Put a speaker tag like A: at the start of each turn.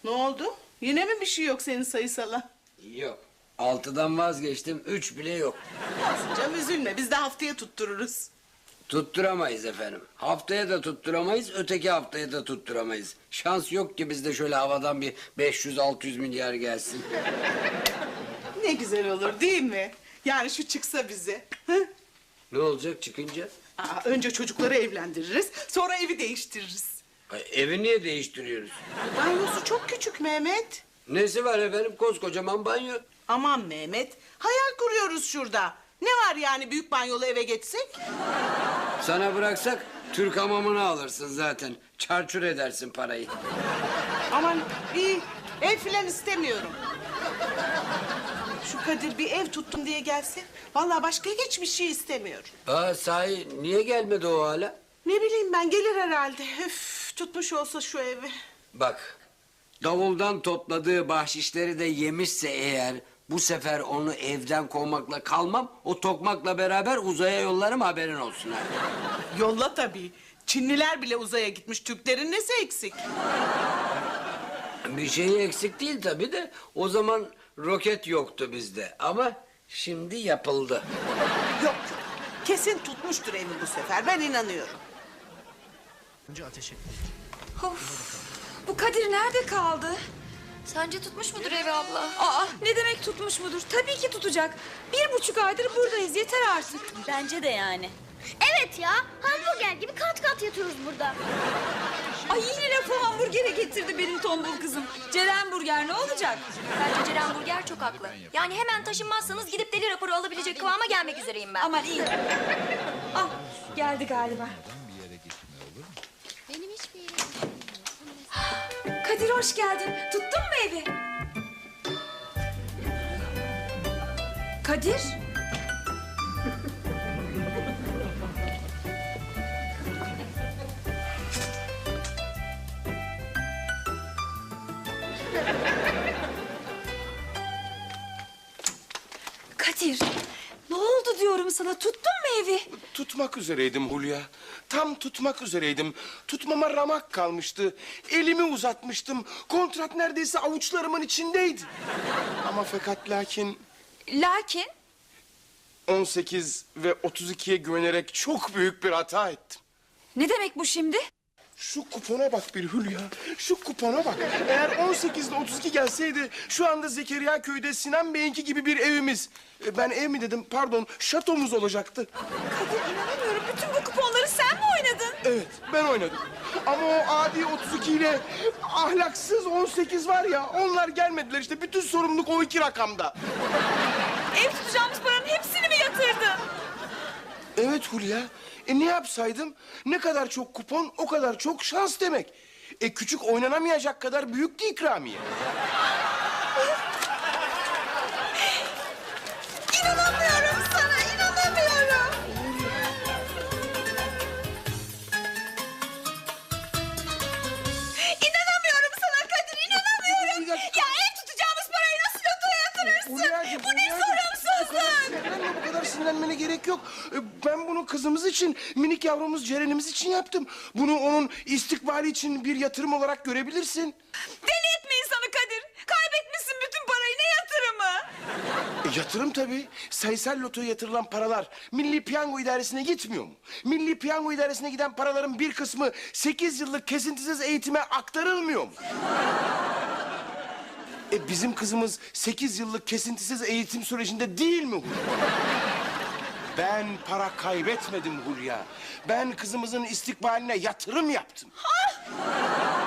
A: Ne oldu? Yine mi bir şey yok senin sayısala?
B: Yok. 6'dan vazgeçtim. 3 bile yok.
A: Olsun canım, üzülme. Biz de haftaya tuttururuz.
B: Tutturamayız efendim. Haftaya da tutturamayız, öteki haftaya da tutturamayız. Şans yok ki bizde şöyle havadan bir 500-600 milyar gelsin.
A: Ne güzel olur değil mi? Yani şu çıksa bize. Hı?
B: Ne olacak çıkınca?
A: Önce çocukları evlendiririz, sonra evi değiştiririz.
B: Ay, evi niye değiştiriyoruz?
A: Banyosu çok küçük Mehmet.
B: Nesi var efendim? Koskocaman banyo.
A: Aman Mehmet, hayal kuruyoruz şurada. Ne var yani büyük banyolu eve geçsek?
B: Sana bıraksak Türk hamamını alırsın zaten. Çarçur edersin parayı.
A: Aman iyi, ev filan istemiyorum. Şu Kadir bir ev tuttum diye gelse, vallahi başka hiçbir şey istemiyorum.
B: Sahi niye gelmedi o hala?
A: Ne bileyim ben, gelir herhalde. Üf, tutmuş olsa şu evi.
B: Bak, davuldan topladığı bahşişleri de yemişse eğer... ...bu sefer onu evden kovmakla kalmam... ...o tokmakla beraber uzaya yollarım, haberin olsun ha.
A: Yolla tabii. Çinliler bile uzaya gitmiş. Türklerin nesi eksik?
B: Bir şey eksik değil tabii de... ...o zaman roket yoktu bizde ama şimdi yapıldı.
A: Yok. Kesin tutmuştur evi bu sefer. Ben inanıyorum.
C: Of, bu Kadir nerede kaldı?
D: Sence tutmuş mudur evi abla?
C: Aa, ne demek tutmuş mudur? Tabii ki tutacak. 1,5 aydır buradayız, yeter artık.
D: Bence de yani. Evet ya, hamburger gibi kat kat yatıyoruz burada.
C: Ay yine lafı hamburgere getirdi benim tombul kızım. Ceren burger ne olacak?
D: Bence Ceren Burger çok haklı. Yani hemen taşınmazsanız gidip deli raporu alabilecek kıvama gelmek üzereyim ben.
C: Aman iyi. Ah, geldi galiba.
D: Benim hiçbir yerim
C: Kadir hoş geldin. Tuttun mu evi? Kadir? Kadir, ne oldu diyorum sana? Tuttun mu evi?
E: Tutmak üzereydim Hulya. Tam tutmak üzereydim. Tutmama ramak kalmıştı. Elimi uzatmıştım. Kontrat neredeyse avuçlarımın içindeydi. Ama fakat lakin
C: Lakin
E: 18 ve 32'ye güvenerek çok büyük bir hata ettim.
C: ne demek bu şimdi?
E: Şu kupona bak bir Hülya. Şu kupona bak. Eğer 18 ile 32 gelseydi şu anda Zekeriya köyde Sinan Bey'inki gibi bir evimiz. Ben ev mi dedim pardon, şatomuz olacaktı.
C: Kadir inanamıyorum. Bütün bu kuponları sen mi oynadın?
E: Evet, ben oynadım. Ama o adi 32 ile ahlaksız 18 var ya, onlar gelmediler işte. Bütün sorumluluk o iki rakamda.
C: Ev tutacağımız paranın hepsini mi yatırdın?
E: Evet Hulya, ne yapsaydım? Ne kadar çok kupon, o kadar çok şans demek. Küçük oynanamayacak kadar büyüktü ikramiye.
C: İnanamıyorum sana, inanamıyorum. İnanamıyorum sana Kadir, inanamıyorum. Ya ev tutacağımız parayı nasıl lotoya yatırırsın?
E: Hulya'cığım,
C: Bu ne sorumsuzluk?
E: Bu kadar sinirlenmene gerek yok. Ben bunu kızımız için, minik yavrumuz Ceren'imiz için yaptım. Bunu onun istikbali için bir yatırım olarak görebilirsin.
C: Deli etme insanı Kadir. Kaybetmişsin bütün parayı, ne yatırımı?
E: Yatırım tabii. Sayısal lotoya yatırılan paralar Milli Piyango İdaresi'ne gitmiyor mu? Milli Piyango İdaresi'ne giden paraların bir kısmı 8 yıllık kesintisiz eğitime aktarılmıyor mu? Bizim kızımız 8 yıllık kesintisiz eğitim sürecinde değil mi Hulya? Ben para kaybetmedim Hulya. Ben kızımızın istikbaline yatırım yaptım.